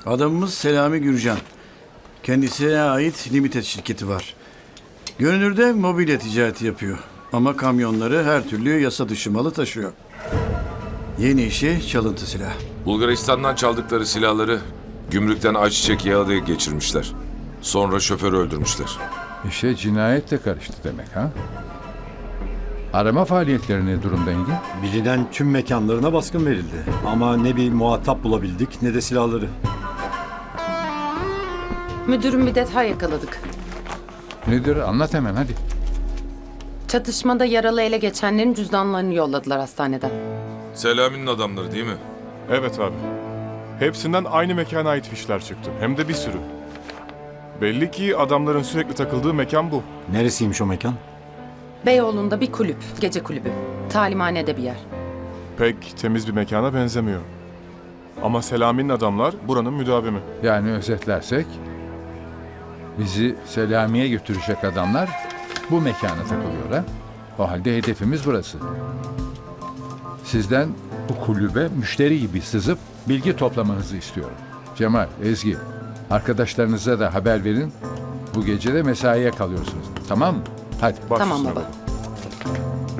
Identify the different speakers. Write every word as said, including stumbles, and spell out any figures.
Speaker 1: Adamımız Selami Gürcan. Kendisine ait limited şirketi var. Görünürde mobilya ticareti yapıyor. Ama kamyonları her türlü yasa dışı malı taşıyor. Yeni işi çalıntı silah.
Speaker 2: Bulgaristan'dan çaldıkları silahları gümrükten ayçiçek yağı da geçirmişler. Sonra şoförü öldürmüşler.
Speaker 3: İşe cinayet de karıştı demek ha? Arama faaliyetleri ne durumda Engin?
Speaker 4: Bilinen tüm mekanlarına baskın verildi. Ama ne bir muhatap bulabildik ne de silahları.
Speaker 5: Müdürüm, bir detay yakaladık.
Speaker 3: Nedir? Anlat hemen hadi.
Speaker 5: Çatışmada yaralı ele geçenlerin cüzdanlarını yolladılar hastaneden.
Speaker 2: Selami'nin adamları değil mi?
Speaker 6: Evet abi. Hepsinden aynı mekana ait fişler çıktı. Hem de bir sürü. Belli ki adamların sürekli takıldığı mekan bu.
Speaker 4: Neresiymiş o mekan?
Speaker 5: Beyoğlu'nda bir kulüp, gece kulübü. Talimhanede bir yer.
Speaker 6: Pek temiz bir mekana benzemiyor. Ama Selami'nin adamlar buranın müdavimi.
Speaker 3: Yani özetlersek, bizi Selami'ye götürecek adamlar bu mekana takılıyor ha? O halde hedefimiz burası. Sizden bu kulübe müşteri gibi sızıp bilgi toplamanızı istiyorum. Cemal, Ezgi, arkadaşlarınıza da haber verin. Bu gece de mesaiye kalıyorsunuz. Tamam mı? Hadi.
Speaker 6: Baş
Speaker 5: Tamam
Speaker 6: üstüne
Speaker 5: baba.